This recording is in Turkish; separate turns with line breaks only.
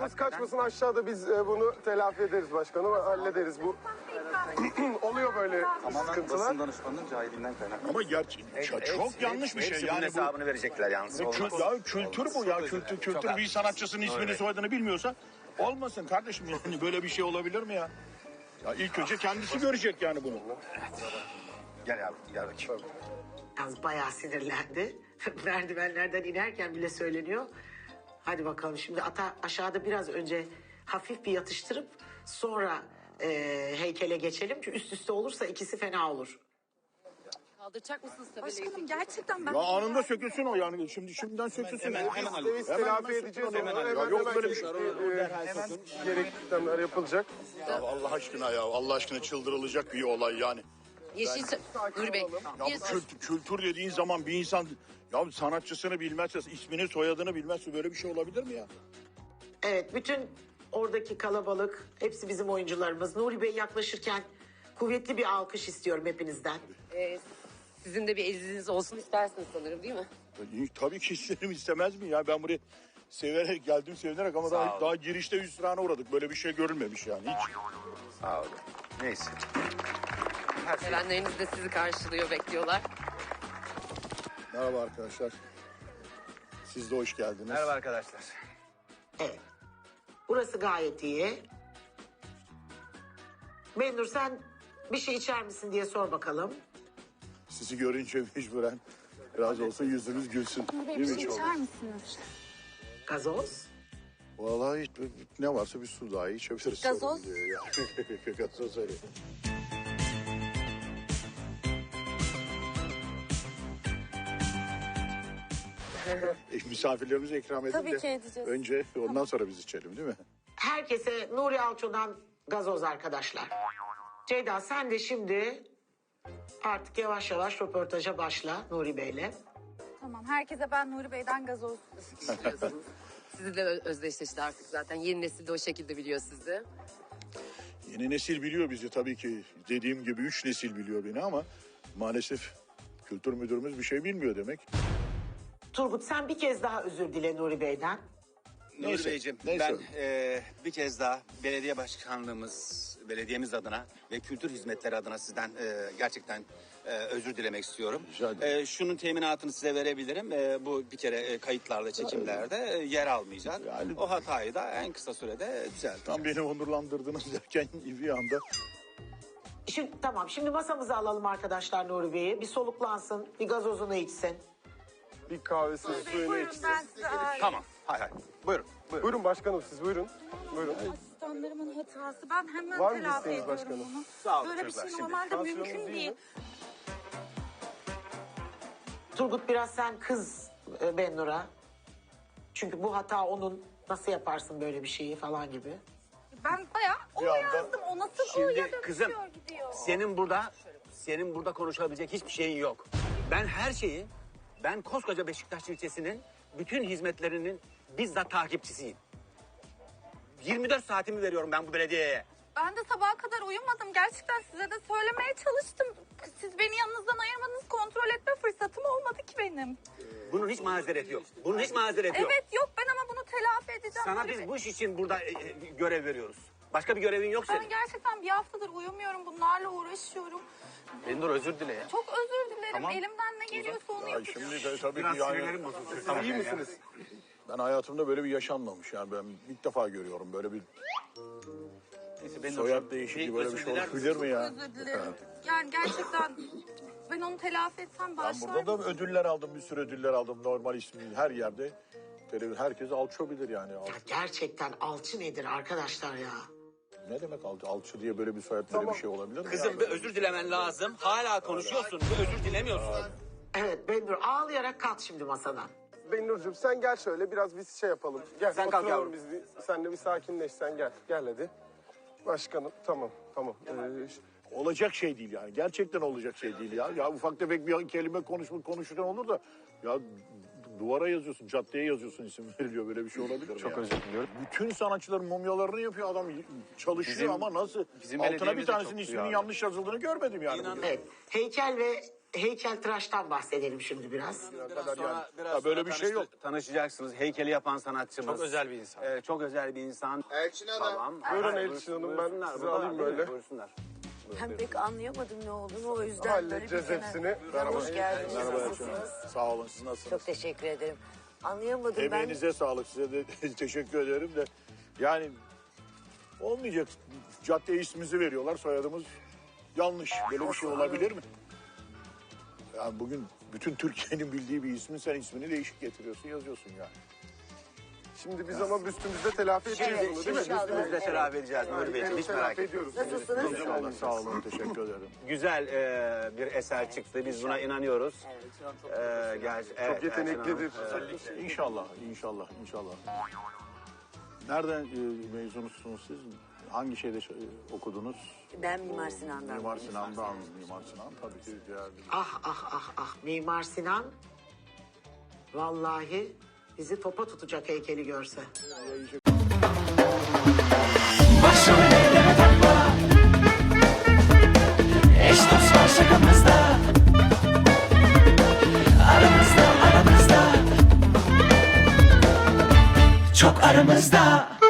tadımız kaçmasın, aşağıda biz bunu telafi ederiz başkanım. Hallederiz bu. Oluyor böyle sıkıntılar.
Basın danışmanının cahilinden kaynaklı.
Ama çok yanlış bir şey.
Hepsi
Yani
bunun hesabını verecekler yalnız. Olmaz.
Ya kültür bu ya. Kültür bir sanatçısının ismini soyadını bilmiyorsa olmasın kardeşim. Yani böyle bir şey olabilir mi ya? Ya ilk önce kendisi görecek yani bunu.
Gel yavrum, gel bakayım.
Yalnız bayağı sinirlendi. Merdivenlerden inerken bile söyleniyor. Hadi bakalım şimdi ata aşağıda biraz önce hafif bir yatıştırıp sonra heykele geçelim. Çünkü üst üste olursa ikisi fena olur.
Kaldıracak mısınız tabelayı?
Başkanım gerçekten ben...
Ya anında sökülsün o yani. Şimdiden sökülsün.
Biz telafi edeceğiz onu. Hemen
Yok böyle bir şey.
gerekli işlemler yapılacak.
Ya Allah aşkına ya. Allah aşkına çıldırılacak bir olay yani.
Yeşil... Nuri Bey.
Ya bu kültür dediğin zaman bir insan ya sanatçısını bilmezse, ismini soyadını bilmezse böyle bir şey olabilir mi ya?
Evet, bütün oradaki kalabalık hepsi bizim oyuncularımız. Nuri Bey yaklaşırken kuvvetli bir alkış istiyorum hepinizden.
Sizin de bir eliniz olsun istersiniz sanırım değil mi?
Tabii ki isterim, istemez mi ya? Ben buraya severek geldim, sevinerek ama daha girişte hüsrana uğradık. Böyle bir şey görülmemiş yani hiç.
Sağ olun. Neyse.
Sevenleriniz de sizi karşılıyor, bekliyorlar.
Merhaba arkadaşlar. Siz de hoş geldiniz.
Merhaba arkadaşlar.
Evet. Burası gayet iyi. Benur sen bir şey içer misin diye sor bakalım.
Sizi görünce mecburen biraz olsa yüzünüz gülsün.
Bir
Değil mi
şey
çok?
içer misiniz?
Gazoz.
Vallahi ne varsa bir su daha içebiliriz.
Gazoz?
Sorun değil ya. Gazoz öyle. Misafirlerimize ikram edin
Tabii
de
ki edeceğiz.
önce ondan sonra biz içelim değil mi?
Herkese Nuri Alço'dan gazoz arkadaşlar. Ceyda sen de şimdi artık yavaş yavaş röportaja başla Nuri Bey'le.
Tamam, herkese ben Nuri Bey'den gazoz.
İstiyorsunuz. Sizi de özdeşleşti artık zaten. Yeni nesil de o şekilde biliyor sizi.
Yeni nesil biliyor bizi tabii ki. Dediğim gibi 3 nesil biliyor beni ama maalesef kültür müdürümüz bir şey bilmiyor demek.
Turgut sen bir kez daha özür dile Nuri Bey'den.
Nuri
Neyse,
Beyciğim,
neyse.
ben bir kez daha belediye başkanlığımız, belediyemiz adına ve kültür hizmetleri adına sizden gerçekten özür dilemek istiyorum.
Rica ederim.
Şunun teminatını size verebilirim. Bu bir kere kayıtlarda, çekimlerde yer almayacak.
Yani-
O hatayı da en kısa sürede düzelteceğim.
Tam beni onurlandırdınız derken bir anda
Şimdi tamam şimdi masamıza alalım arkadaşlar Nuri Bey'i. Bir soluklansın, bir gazozunu içsin.
Bir kahvesini, suyunu
Buyurun
içsin.
ben size ağırlayayım.
Tamam, hay hay. Buyurun, buyurun.
Buyurun başkanım siz buyurun. Buyurun.
Asistanlarımın hatası. Ben hemen
Var mı
telafi
isteğiniz
ediyorum
başkanım?
bunu.
Sağ olun
Böyle bir
çocuklar,
şey
şimdi.
normalde
Tansiyonunuz
mümkün
iyi
değil.
mi?
Turgut biraz sen kız Bennur'a. Çünkü bu hata onun, nasıl yaparsın böyle bir şeyi falan gibi.
Ben bayağı o
Bir anda-
yazdım. O nasıl o
Şimdi
ya da
kızım,
bitiyor, gidiyor.
senin burada konuşabilecek hiçbir şeyin yok. Ben koskoca Beşiktaş ilçesinin bütün hizmetlerinin bizzat takipçisiyim. 24 saatimi veriyorum ben bu belediyeye.
Ben de sabaha kadar uyumadım. Gerçekten size de söylemeye çalıştım. Siz beni yanınızdan ayırmadınız. Kontrol etme fırsatım olmadı ki benim.
Bunun hiç mazereti yok. Bunun hiç mazereti yok.
Evet yok ben ama bunu telafi edeceğim.
Sana
Nuri Bey.
biz bu iş için burada görev veriyoruz. Başka bir görevin yok
Ben
senin.
gerçekten bir haftadır uyumuyorum. Bunlarla uğraşıyorum.
Bendur özür dile ya.
Çok özür dilerim.
Tamam.
Elimden ne geliyorsa onu
ya
yapacağım.
şimdi de tabii
Biraz
ki yani
sinirlerim bozuldu. Tamam.
İyi misiniz?
ben hayatımda böyle bir yaşanmamış yani ben ilk defa görüyorum böyle bir
Neyse, Bendur,
soyad değişikliği böyle bir
özür
şey
diler
olabilir mi ya?
Özür dilerim. Yani gerçekten ben onu telafi etsem
Ben
bağışlar
burada da ödüller aldım, bir sürü ödüller aldım normal ismi her yerde. Herkes alço bilir yani.
Ya gerçekten alçı nedir arkadaşlar ya?
Ne demek alço diye böyle bir soyad böyle bir şey olabilir mi?
Kızım
ya?
bir özür dilemen lazım. Hala konuşuyorsun. Bir özür dilemiyorsun.
Evet Bendur ağlayarak kalk şimdi masadan.
Benurcuğum sen gel şöyle biraz biz şey yapalım. Gel
Sen kalk
oturalım
yavrum.
biz bir. Sen de bir sakinleş sen gel. Gel hadi. Başkanım tamam.
Olacak şey değil yani. Gerçekten olacak şey değil ya. Ya ufak tefek bir kelime konuşurken olur da ya duvara yazıyorsun, caddeye yazıyorsun isim veriliyor. Böyle bir şey olabilir mi?
Çok
ya?
özür diliyorum.
Bütün sanatçıların mumyalarını yapıyor adam çalışıyor
Bizim-
ama nasıl?
bizim
Altına bir
belediyemiz de
tanesinin
çok
isminin
duyarlı.
yanlış yazıldığını görmedim yani.
İnan-
Evet heykel ve heykeltıraştan bahsedelim şimdi biraz.
Ya böyle bir şey yok.
Tanışacaksınız. Heykeli yapan sanatçımız.
Çok özel bir insan.
Çok özel bir insan.
Elçin Hanım.
Tamam.
Buyurun Elçin Hanım, ben
Buyursunlar,
sizi
burada
alayım
değil mi?
böyle.
Buyursunlar.
Ben pek anlayamadım ne olduğunu, o yüzden
Halledeceğiz
böyle bir
hepsini.
Hoş geldiniz.
Merhaba Elçin
Nasılsınız?
Hanım. Sağ olun, siz nasılsınız?
Çok teşekkür ederim. Anlayamadım
Emeğinize sağlık, size de teşekkür ederim de. Yani olmayacak. Cadde ismimizi veriyorlar, soyadımız yanlış. Böyle bir şey olabilir mi? Yani bugün bütün Türkiye'nin bildiği bir ismin sen ismini değişik getiriyorsun, yazıyorsun yani.
Şimdi biz ama büstümüzde telafi edeceğiz
Evet,
bunu değil mi?
inşallah.
Biz de telafi edeceğiz Nuri Beyciğim. Hiç merak
Telafi
etmeyin.
ediyoruz.
ben. Nasılsınız?
İnşallah, sağ olun, teşekkür ederim.
Güzel bir eser çıktı. Biz buna inanıyoruz.
Çok yeteneklidir.
İnşallah, inşallah, inşallah. Nereden mezunusunuz siz? Hangi şeyde okudunuz?
Ben Mimar Sinan'dan.
Mimar Sinan'dan. Mimar Sinan tabii ki değerli.
Ah Mimar Sinan vallahi bizi topa tutacak heykeli görse.
Başrol eyleme takla. Eş dost var şakamızda. Aramızda. Çok aramızda.